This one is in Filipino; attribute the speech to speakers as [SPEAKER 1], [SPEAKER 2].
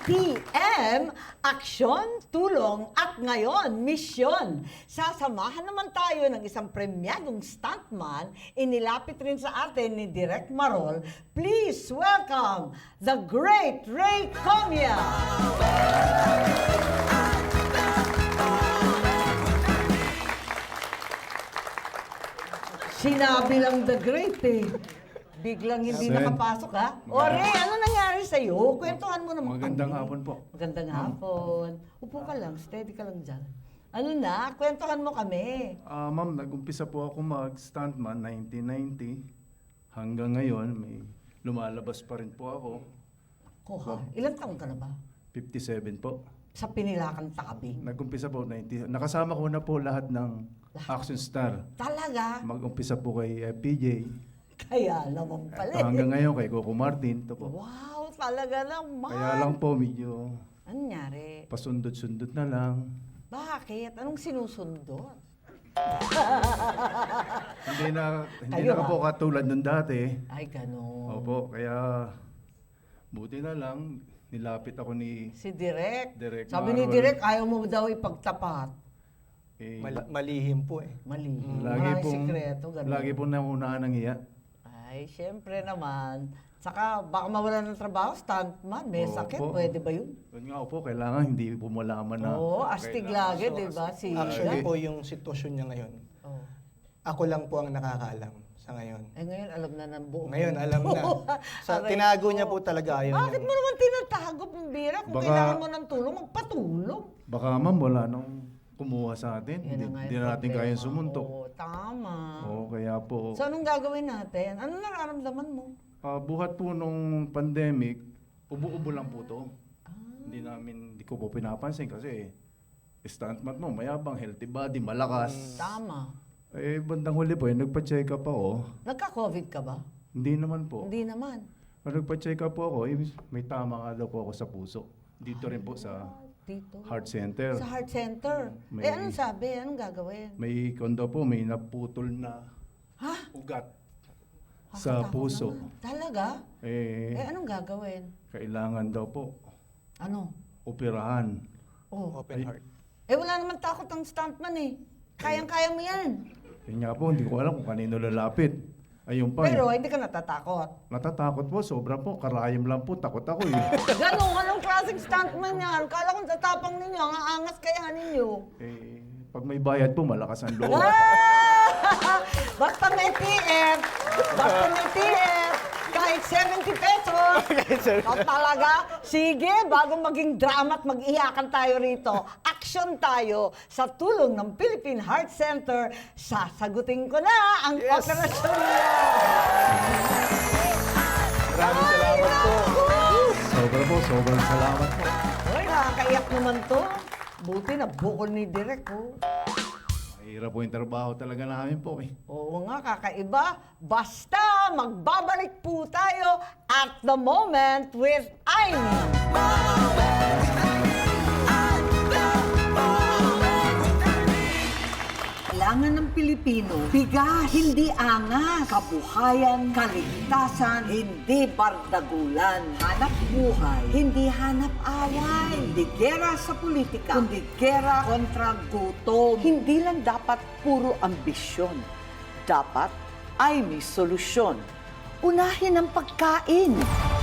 [SPEAKER 1] ATM, aksyon, tulong, at ngayon, misyon. Sasamahan naman tayo ng isang premyadong stuntman, inilapit rin sa atin ni Direk Marol. Please welcome the great Ray Comia! Sinabi lang the great eh. Biglang hindi
[SPEAKER 2] Sen.
[SPEAKER 1] nakapasok ha? O Ray, ano nangyari sa'yo? Kwentuhan mo naman
[SPEAKER 2] Magandang
[SPEAKER 1] kami.
[SPEAKER 2] hapon po.
[SPEAKER 1] Magandang hapon. Upo ka lang, steady ka lang dyan. Ano na? Kwentuhan mo kami.
[SPEAKER 2] Ma'am, nag-umpisa po ako mag-stuntman 1990. Hanggang ngayon, may lumalabas pa rin po ako.
[SPEAKER 1] Kuha, ilang taon ka na ba?
[SPEAKER 2] 57 po.
[SPEAKER 1] Sa Pinilakan Tabing.
[SPEAKER 2] Nag-umpisa po 90. Nakasama ko na po lahat ng action star.
[SPEAKER 1] Talaga?
[SPEAKER 2] Mag-umpisa po kay PJ.
[SPEAKER 1] Kaya naman pala
[SPEAKER 2] Ito hanggang ngayon kay Coco Martin. Ito po.
[SPEAKER 1] Wow, talaga naman.
[SPEAKER 2] Kaya lang po medyo
[SPEAKER 1] Ano nangyari?
[SPEAKER 2] pasundot-sundot na lang.
[SPEAKER 1] Bakit? Anong sinusundot?
[SPEAKER 2] Hindi na
[SPEAKER 1] Kayo,
[SPEAKER 2] po katulad nung dati.
[SPEAKER 1] Ay, ganun.
[SPEAKER 2] Opo, kaya buti na lang nilapit ako ni
[SPEAKER 1] Si Direk.
[SPEAKER 2] Direk
[SPEAKER 1] Sabi ni
[SPEAKER 2] Marol.
[SPEAKER 1] Direk, ayaw mo daw ipagtapat.
[SPEAKER 2] eh,
[SPEAKER 3] Malihim po eh.
[SPEAKER 1] Mali.
[SPEAKER 2] lagi
[SPEAKER 1] Maraming
[SPEAKER 2] pong
[SPEAKER 1] sikreto, ganun.
[SPEAKER 2] lagi pong naunahan ng hiya.
[SPEAKER 1] Ay, syempre naman. Saka baka mawalan ng trabaho, stuntman, may
[SPEAKER 2] Oo
[SPEAKER 1] sakit,
[SPEAKER 2] po.
[SPEAKER 1] pwede ba yun?
[SPEAKER 2] Yun nga po, kailangan hindi po malaman na.
[SPEAKER 1] Oo, astig lagi, di ba? Si
[SPEAKER 3] Actually po yung sitwasyon niya ngayon,
[SPEAKER 1] Oh.
[SPEAKER 3] ako lang po ang nakakaalam sa ngayon.
[SPEAKER 1] Eh ngayon, alam na ng buong
[SPEAKER 3] Ngayon, alam na.
[SPEAKER 1] Aray
[SPEAKER 3] Tinago
[SPEAKER 1] ko.
[SPEAKER 3] niya po talaga ayaw
[SPEAKER 1] Bakit
[SPEAKER 3] niya.
[SPEAKER 1] mo naman tinatago, Pambira? Kung
[SPEAKER 2] Baka-
[SPEAKER 1] kailangan mo ng tulong, magpatulong.
[SPEAKER 2] Baka ma'am, wala nang kumuha sa atin.
[SPEAKER 1] Yan
[SPEAKER 2] Hindi,
[SPEAKER 1] na nga
[SPEAKER 2] hindi
[SPEAKER 1] yung
[SPEAKER 2] na natin
[SPEAKER 1] problema.
[SPEAKER 2] kayang sumuntok.
[SPEAKER 1] Oo, tama.
[SPEAKER 2] Oo, kaya po.
[SPEAKER 1] So, anong gagawin natin? Ano nararamdaman mo?
[SPEAKER 2] Buhat po nung pandemic, ubo-ubo lang po to.
[SPEAKER 1] Ah.
[SPEAKER 2] Hindi ko po pinapansin kasi stuntman mo, mayabang, healthy body, malakas.
[SPEAKER 1] Tama.
[SPEAKER 2] Eh, bandang huli po, nagpa-check up ako.
[SPEAKER 1] Nagka-COVID ka ba?
[SPEAKER 2] Hindi naman po.
[SPEAKER 1] Hindi naman.
[SPEAKER 2] Nung nagpa-check up po ako, may tama nga daw po ako sa puso. Dito rin po sa
[SPEAKER 1] Dito.
[SPEAKER 2] heart center.
[SPEAKER 1] Sa heart center.
[SPEAKER 2] May-
[SPEAKER 1] Eh, anong sabi? Anong gagawin?
[SPEAKER 2] May kondo po, may naputol na
[SPEAKER 1] Ha?
[SPEAKER 2] ugat sa
[SPEAKER 1] Nakakatakot
[SPEAKER 2] puso.
[SPEAKER 1] naman. Talaga? Eh,
[SPEAKER 2] Eh,
[SPEAKER 1] anong gagawin?
[SPEAKER 2] kailangan daw po
[SPEAKER 1] Ano?
[SPEAKER 2] operahan.
[SPEAKER 1] Oh.
[SPEAKER 3] Open heart.
[SPEAKER 1] Eh, wala naman takot ang stuntman eh. Kayang-kaya mo yan.
[SPEAKER 2] Yun nga po, hindi ko alam kung kanino lalapit. Ayun pa.
[SPEAKER 1] Pero hindi ka natatakot.
[SPEAKER 2] Natatakot po, sobra po. Karayom lang po, takot ako eh.
[SPEAKER 1] Ganun, anong klaseng stuntman yan? Kala kong tatapang ninyo, ang aangas kaya ninyo.
[SPEAKER 2] Eh, pag may bayad po, malakas ang loob.
[SPEAKER 1] Ah! Basta may TF, basta may TF, kahit 70 pesos. O talaga, sige, bago maging drama at mag-iyakan tayo rito, action tayo sa tulong ng Philippine Heart Center. Sasagutin ko na ang operasyon niyo.
[SPEAKER 3] Maraming salamat po.
[SPEAKER 2] Sobra po, sobrang salamat po.
[SPEAKER 1] Uy, nakakaiyak naman to. Buti na bukol ni Direk, oh.
[SPEAKER 2] Mahirap po yung trabaho talaga namin po eh.
[SPEAKER 1] Oo nga, kakaiba. Basta, magbabalik po tayo at the moment with Aimee. Kailangan ng Pilipino, bigas, hindi angas, kabuhayan, kaligtasan, hindi bardagulan, hanap buhay, hindi hanap away, hindi gera sa politika, kundi gera kontra gutom. Hindi lang dapat puro ambisyon, dapat ay may solusyon. Unahin ang pagkain.